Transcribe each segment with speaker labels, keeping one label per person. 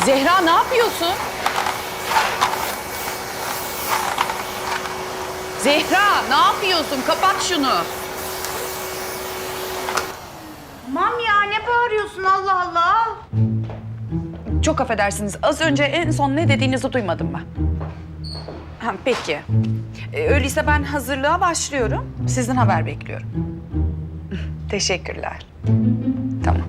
Speaker 1: Zehra ne yapıyorsun? Zehra ne yapıyorsun? Kapat şunu.
Speaker 2: Tamam ya, ne bağırıyorsun Allah Allah?
Speaker 1: Çok affedersiniz. Az önce en son ne dediğinizi duymadım ben. Ha, peki. Öyleyse ben hazırlığa başlıyorum. Sizden haber bekliyorum. Teşekkürler. Tamam.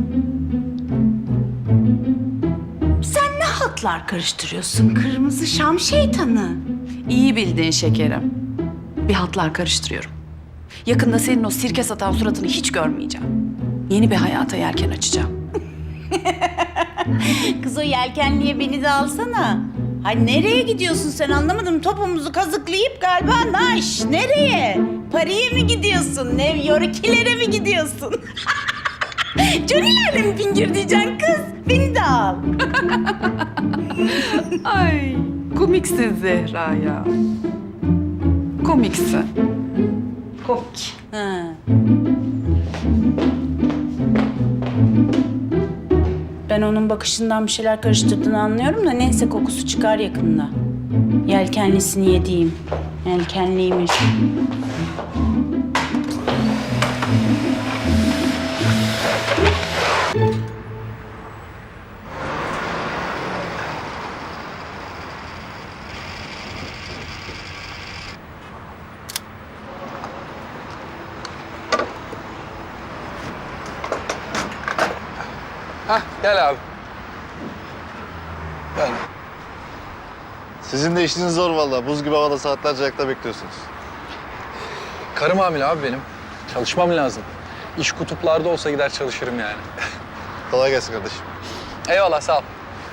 Speaker 2: Sen ne hatlar karıştırıyorsun kırmızı şam şeytanı?
Speaker 1: İyi bildin şekerim. Bir hatlar karıştırıyorum. Yakında senin o sirke satan suratını hiç görmeyeceğim. Yeni bir hayata yelken açacağım.
Speaker 2: Kız o yelkenliye beni de alsana. Hay nereye gidiyorsun sen anlamadım. Topumuzu kazıklayıp galiba naş. Nereye? Paris'e mi gidiyorsun? New York'ilere mi gidiyorsun? Johnny'lerle mi fingir diyeceksin kız? Beni de al.
Speaker 1: Ay, komiksin Zehra ya. Komiksin. Komik.
Speaker 2: Ha. Ben onun bakışından bir şeyler karıştırdığını anlıyorum da neyse kokusu çıkar yakında. Yelkenlisini yediğim. Yelkenliymiş.
Speaker 3: Hah, gel abi. Gel.
Speaker 4: Sizin de işiniz zor vallahi. Buz gibi havada saatlerce ayakta bekliyorsunuz.
Speaker 3: Karım hamile abi benim. Çalışmam lazım. İş kutuplarda olsa gider çalışırım yani.
Speaker 4: Kolay gelsin kardeşim.
Speaker 3: Eyvallah, sağ ol.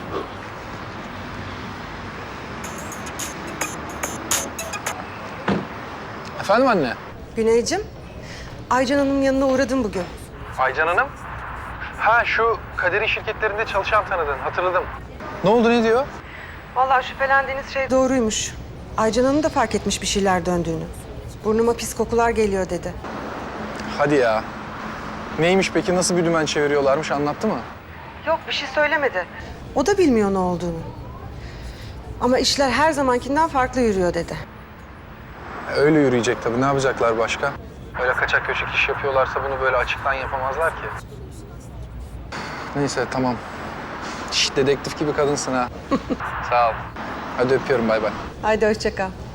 Speaker 3: Efendim anne?
Speaker 5: Güneycim, Aycan Hanım'ın yanına uğradım bugün.
Speaker 3: Aycan Hanım? Ha, şu Kader'in şirketlerinde çalışan tanıdın, hatırladım. Ne oldu, ne diyor?
Speaker 5: Vallahi şüphelendiğiniz şey doğruymuş. Aycan Hanım da fark etmiş bir şeyler döndüğünü. Burnuma pis kokular geliyor dedi.
Speaker 3: Hadi ya. Neymiş peki, nasıl bir dümen çeviriyorlarmış, anlattı mı?
Speaker 5: Yok, bir şey söylemedi. O da bilmiyor ne olduğunu. Ama işler her zamankinden farklı yürüyor dedi.
Speaker 3: Öyle yürüyecek tabii, ne yapacaklar başka? Öyle kaçak köşek iş yapıyorlarsa bunu böyle açıktan yapamazlar ki. Neyse, tamam. Şişt, dedektif gibi kadınsın ha. Sağ ol. Hadi öpüyorum, bay bay.
Speaker 5: Haydi hoşça kal.